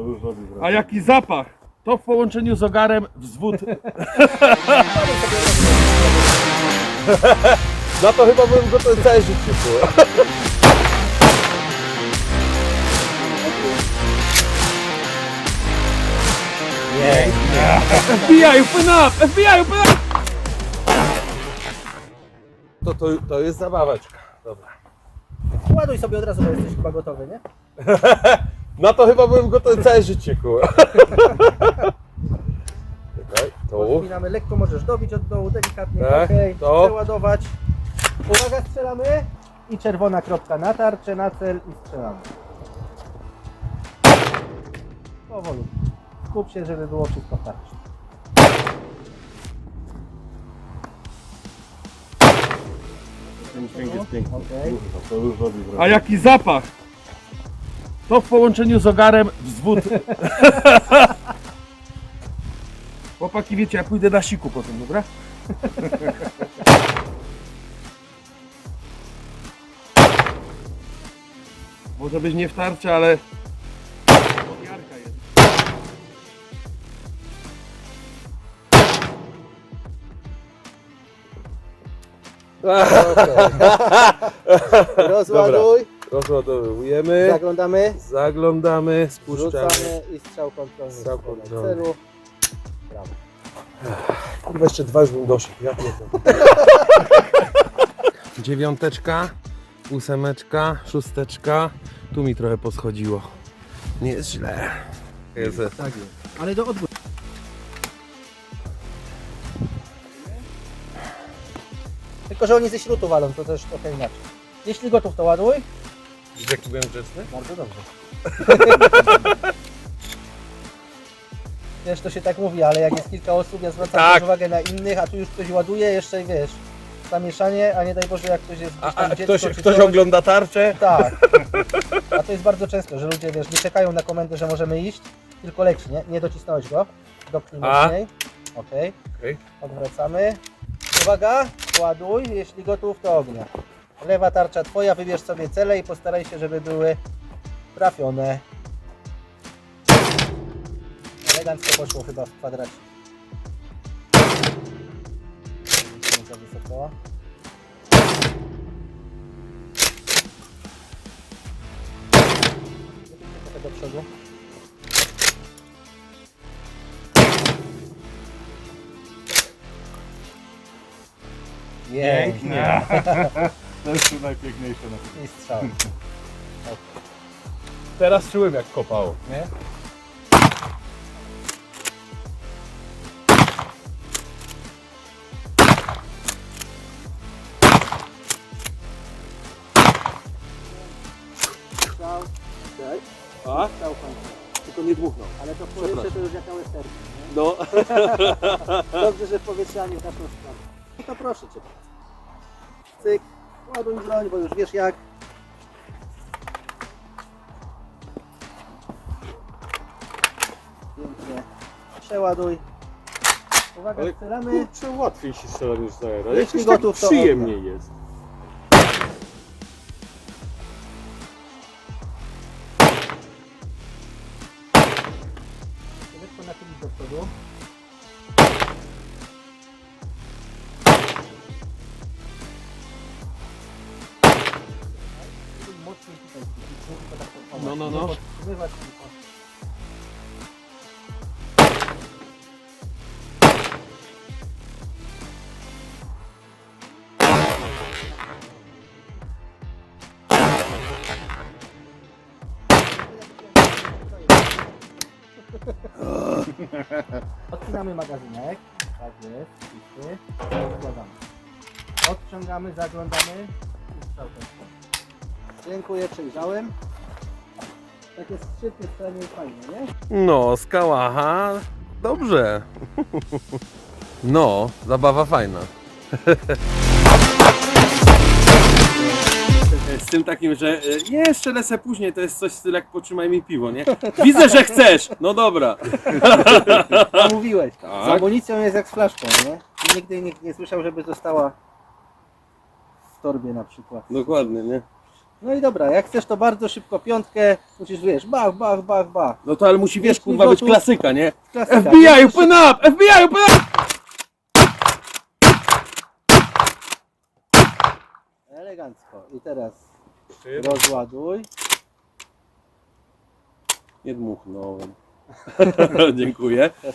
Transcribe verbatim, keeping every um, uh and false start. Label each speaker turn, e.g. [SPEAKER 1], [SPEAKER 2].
[SPEAKER 1] A jaki zapach? To w połączeniu z ogarem wzwód.
[SPEAKER 2] Na to chyba byłem gotowy całe życie. Nie.
[SPEAKER 1] F B I, open up! F B I, open up!
[SPEAKER 2] To, to, to jest zabaweczka. Dobra.
[SPEAKER 3] Ładuj sobie od razu, bo jesteś chyba gotowy, nie?
[SPEAKER 2] Na to chyba byłem gotowy całe życie, kurwa. Czekaj, tu.
[SPEAKER 3] Odpinamy lekko, możesz dobić od dołu, delikatnie,
[SPEAKER 2] Tak,
[SPEAKER 3] okej,
[SPEAKER 2] to.
[SPEAKER 3] przeładować. Uwaga, strzelamy i czerwona kropka na tarczę, na cel i strzelamy. Powolu. Skup się, żeby było wszystko w tarczy. Okej.
[SPEAKER 1] A jaki zapach? To w połączeniu z ogarem wzwód. Chłopaki, wiecie, ja pójdę na siku potem, dobra? Może być nie w tarczy, ale podjarka jest.
[SPEAKER 3] Rozładuj,
[SPEAKER 2] Rozładowujemy.
[SPEAKER 3] zaglądamy,
[SPEAKER 2] Zaglądamy, spuszczamy.
[SPEAKER 3] rzucamy i strzał kontrolny
[SPEAKER 2] Strzał
[SPEAKER 3] w
[SPEAKER 2] kontrolny.
[SPEAKER 3] celu. Brawo.
[SPEAKER 2] Kurwa, jeszcze dwa już bym doszedł. Ja pierdolę. Dziewiąteczka, ósemeczka, szósteczka. Tu mi trochę poschodziło. Nie jest źle. Jest.
[SPEAKER 3] Tak jest. Ale do odwrót. Tylko, że oni ze śrutu walą, to też trochę inaczej. Jeśli gotów, to ładuj.
[SPEAKER 2] Widzisz, jaki byłem grzeczny?
[SPEAKER 3] Bardzo dobrze. Wiesz, to się tak mówi, ale jak jest kilka osób, ja zwracam
[SPEAKER 2] Tak.
[SPEAKER 3] też uwagę na innych, a tu już ktoś ładuje, jeszcze wiesz, zamieszanie, a nie daj Boże, jak ktoś jest gdzieś
[SPEAKER 2] A,
[SPEAKER 3] tam
[SPEAKER 2] a
[SPEAKER 3] dziecko,
[SPEAKER 2] ktoś,
[SPEAKER 3] czy
[SPEAKER 2] ktoś
[SPEAKER 3] coś.
[SPEAKER 2] ogląda tarczę?
[SPEAKER 3] Tak. A to jest bardzo często, że ludzie, wiesz, nie czekają na komendę, że możemy iść, tylko leci, nie? Nie docisnąłeś go. Dopnij
[SPEAKER 2] A.
[SPEAKER 3] mocniej. Okej.
[SPEAKER 2] Okej.
[SPEAKER 3] Odwracamy. Uwaga, ładuj, jeśli gotów, to ognia. Lewa tarcza twoja, wybierz sobie cele i postaraj się, żeby były trafione. Elegancko poszło chyba w kwadracie. Nie za wysoko. Trochę do przodu. Pięknie.
[SPEAKER 1] To jest najpiękniejsze na tym.
[SPEAKER 3] I strzał.
[SPEAKER 2] Teraz czułem, jak kopało.
[SPEAKER 3] Nie? Strzał.
[SPEAKER 2] A?
[SPEAKER 3] Strzał kończy.
[SPEAKER 2] Tylko nie dmuchnął.
[SPEAKER 3] Ale to w powietrze to już jaka westerka, nie?
[SPEAKER 2] No.
[SPEAKER 3] Dobrze, że w powietrze ani w naszą stronę. No to proszę Cię bardzo. Cyk, ładuj broń, bo już wiesz jak. Pięknie. Przeładuj. Uwaga,
[SPEAKER 2] Ale
[SPEAKER 3] strzelamy.
[SPEAKER 2] kurczę, łatwiej się strzela niż za aero.
[SPEAKER 3] Jeśli
[SPEAKER 2] Jakoś tak
[SPEAKER 3] gotów, to
[SPEAKER 2] przyjemniej jest.
[SPEAKER 3] Lekko nachylić do przodu. Mocniej tutaj ściśnij, tylko tak podchować.
[SPEAKER 2] No, no, no.
[SPEAKER 3] Nie podtrzymywać, tylko. Odcinamy magazynek. Tak jest, czysty. Odkładamy. Odciągamy, zaglądamy i strzał końcowy. Dziękuję, przejrzałem. Takie skrzypy strzelanie fajne, nie?
[SPEAKER 2] No, z kałacha. Dobrze. No, zabawa fajna. Z tym takim, że e, jeszcze lecę później, to jest coś w stylu jak potrzymaj mi piwo, nie? Widzę, że chcesz! No dobra.
[SPEAKER 3] A mówiłeś.
[SPEAKER 2] Tak.
[SPEAKER 3] Z amunicją jest jak z flaszką, nie? Nigdy nikt nie słyszał, żeby została w torbie na przykład.
[SPEAKER 2] Dokładnie, nie?
[SPEAKER 3] No i dobra, jak chcesz to bardzo szybko piątkę, musisz wiesz, bach, bach, bach, bach.
[SPEAKER 2] No to ale musi, wiesz,
[SPEAKER 3] Jeśli
[SPEAKER 2] kurwa, być
[SPEAKER 3] gotów-
[SPEAKER 2] klasyka, nie?
[SPEAKER 3] Klasyka.
[SPEAKER 2] F B I, open up! F B I, open up!
[SPEAKER 3] Elegancko. I teraz rozładuj.
[SPEAKER 2] Nie dmuchnąłem. Dziękuję.